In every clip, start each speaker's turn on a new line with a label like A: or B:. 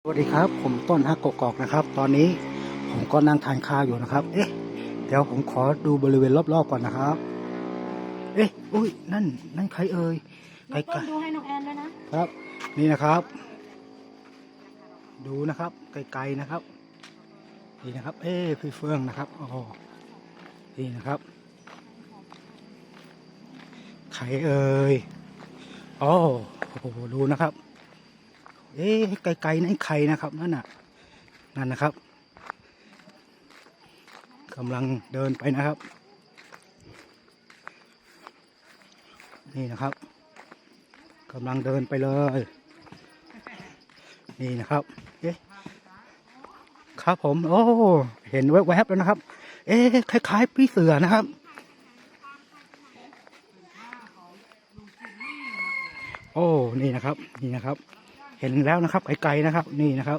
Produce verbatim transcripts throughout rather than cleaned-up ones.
A: สวัสดีครับผมต้นฮักกกอกนะครับตอนนี้ผมก็นั่งทานข้าวอยู่นะครับเอ๊ะเดี๋ยวผมขอดูบริเวณรอบๆก่อนนะครับเอ๊ะอุ้ยนั่นนั่นใครเอ่ยไกลๆ
B: ต้นดูให้น้องแอนด้วยนะครับ
A: นี่นะครับ ดูนะครับไกลๆนะครับนี่นะครับเอ๊ะพี่เฟื่องนะครับอ๋อนี่นะครับใครเอ่ยอ๋อโอ้โหดูนะครับเอ๊ะไกลๆนั่นใครนะครับนั่นน่ะนั่นนะครับกำลังเดินไปนะครับนี่นะครับกำลังเดินไปเลยนี่นะครับเอ๊ะครับผมโอ้เห็นแวบๆแล้วนะครับเอ๊ะคล้ายๆพี่เสือนะครับโอ้นี่นะครับนี่นะครับเห็นแล้วนะครับไกลๆนะครับนี่นะครับ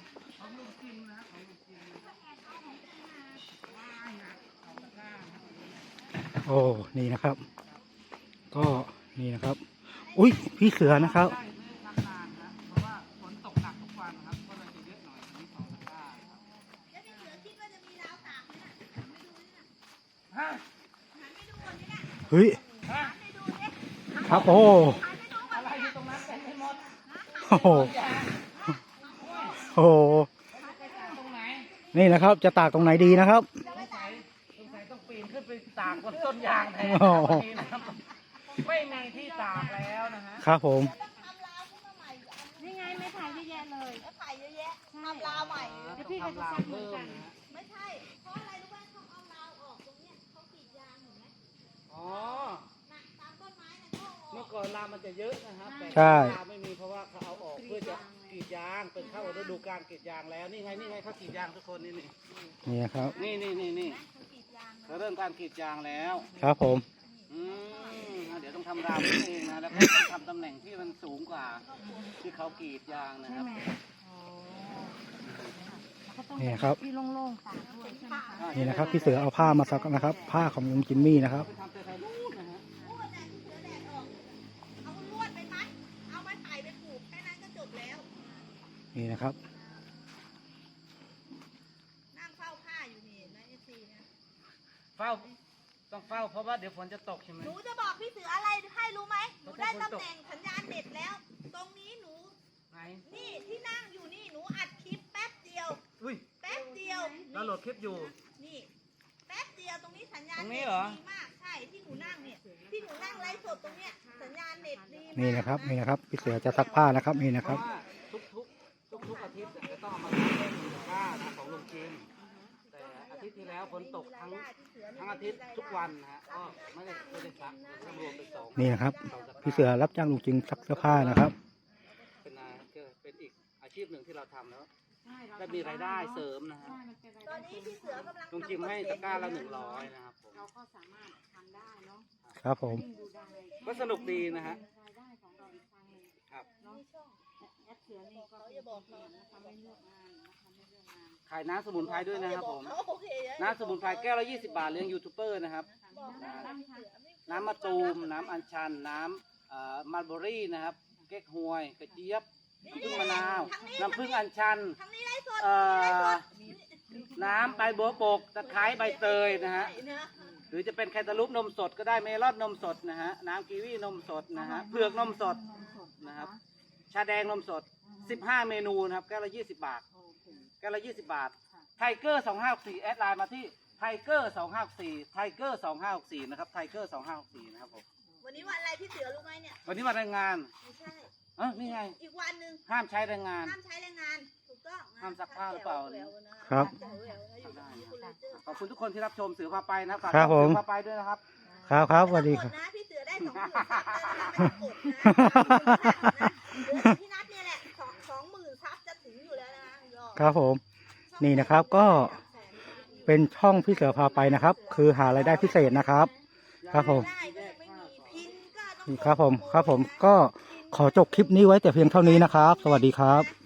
A: โอ้นี่นะครับก็นี่นะครับอุ้ยพี่เสือนะครับเฮ้ยครับโอ้โอ้โหโอ้โหนี่นะครับจะตากตรงไหนดีนะครับ
C: ต้องปีนขึ้นไปตากบนต้นยางแทนไม่มีที่ตากแล้วนะฮะ
A: ครับผม
B: นี่ไงไม่ถ่ายเยอะแยะเลย
D: แล้วถ่ายเยอะแยะทำราวใหม่
B: เดี๋ยวพี่ก็จะสร้างเหมือนกัน
D: ไม่ใช่เพราะอะไรรู้ไหมเขาเอาราวออกตรงเนี้ยเขากรีดยางเห็นไหม
C: อ๋อ
D: ตามต้นไม้นะเขาออก
C: เมื่อก่อนราวมันจะเยอะนะครับแต่ราวไม่มีเพราะว่าเขาเอาออกเพื่อจะกรีดยางเป็นเข้าฤดูกาลกรีดยางแล้วนี่ไงนี่ไงเขากรีดยางทุกคนนี่นี่
A: นี่ครับ
C: นี่นี่นี่นี่เขาเริ่มการกรีดยางแล้ว
A: ครับผม
C: อืมเดี๋ยวต้องทำราวเองนะแล้วก็ต้องทำตำแหน่งที่มันสูงกว่าที่เขากรีดยางนะครับ
A: นี่ครับ
B: ที่โล่งๆตากด้วยใช่ไหมคะ
A: นี่นะครับพี่เสือเอาผ้ามาซักนะครับ ผ้าของลุงจิมมี่นะครับ
D: เอาลวดไปมัดเอาไม้ไผ่ไปผูกแค่นั้นก็จบแล้ว
A: นี่นะครับ
D: นั่งเฝ้าผ้าอยู่นี่นะเอซีนะ
C: เฝ้าต้องเฝ้าเพราะว่าเดี๋ยวฝนจะตกใช่ไหม
D: หนูจะบอกพี่เสืออะไรให้รู้ไหมหนูได้ตำแหน่งสัญญาณเน็ตแล้ว ตรงนี้หนูนี่ที่นั่งอยู่นี่หนูอัดคลิปแป๊บเดียว
C: อุ้ย
D: แป๊บเดียว
C: เราโหลดคลิปอยู่
D: นี่แป๊บเดียวตรงนี้สัญญาณ
C: เน็ต
D: ดีมากใช่ที่หนูนั่งเนี่ยที่หนูนั่งไลฟ์สดตรงเนี้ยสัญญาณเน็ตดี
A: นี่นะครับนี่นะครับพี่เสือจะซักผ้านะครับนี่นะครับ
C: ทุกทุกทุกทุกอาทิตย์จะต้องมาเล่นผ้าของลุงจิมแต่อาทิตย์ที่แล้วฝนตกทั้งทั้งอาทิตย์ทุกวันนะฮะก็ไม่ได้ไม่ได้ซักรวมเป็นสอง
A: นี่นะครับพี่เสือรับจ้างลุงจิมซักเสื้อผ้านะครับ
C: เป็นเป็นอีกอาชีพหนึ่งที่เราทำแล้วได้มีรายได้เสริมนะฮะ
D: ตอนนี้พี่เสือกำลัง
C: ลุงจิมให้ตะกร้าละหนึ่งร้อยนะครับผม
B: เราก็สามารถทำได้เนาะ
A: ครับผม
C: ก็สนุกดีนะฮะครับ
B: แอปเสือนี่ก็จะบอกนะคะไม่เลือกงานนะคะไม่เลือกงาน
C: ขายน้ำสมุนไพรด้วยนะครับผมน้ำสมุนไพรแก้วละยี่สิบบาทเลี้ยงยูทูบเบอร์นะครับน้ำมะตูมน้ำอัญชันน้ำมัลเบอรี่นะครับเก๊กฮวยกระเจี๊ยบน้ำผึ้งมะนาวน้ำผึ้งอัญชันน้ำใบบัวบกตะไคร้ใบเตยนะฮะหรือจะเป็นแคนตาลูปนมสดก็ได้เมลอนนมสดนะฮะน้ำกีวีนมสดนะฮะเผือกนมสดนะครับชาแดงนมสดสิบห้าเมนูนะครับแก้วละยี่สิบบาทแก้วละยี่สิบบาทไทเกอร์สองห้าหกสี่แอดไลน์มาที่ไทเกอร์สองห้าหกสี่ไทเกอร์สองห้าหกสี่นะครับไทเกอร์สองห้าหกสี่นะครับผม
D: วันนี้วันอะไรพี่เสือรู้ไหมเนี่ย
C: วันนี้วันแรงงาน
D: ไม่ใช่
C: เออนี่ไง
D: อีกวันหนึ่ง
C: ห้ามใช้แรงงาน
D: ห้ามใช้แรงงานถูกต้อง
C: ห้ามซักผ้าหรือเปล่า
A: ครับ
C: ขอบคุณทุกคนที่รับชมเสือพาไปนะฝาก
A: ครับผม
C: เสือพาไปด้วยนะครับ
A: ครับครับสวัสดีครับ
D: พี่เสือได้สองหมื่นซับพี่นัทเนี่ยแหละสองสองหมื่นซับจะถึงอยู่แล้วนะครับ
A: ผมนี่นะครับก็เป็นช่องพี่เสือพาไปนะครับคือหารายได้พิเศษนะครับครับผมครับผมครับผมก็ขอจบคลิปนี้ไว้แต่เพียงเท่านี้นะครับสวัสดีครับ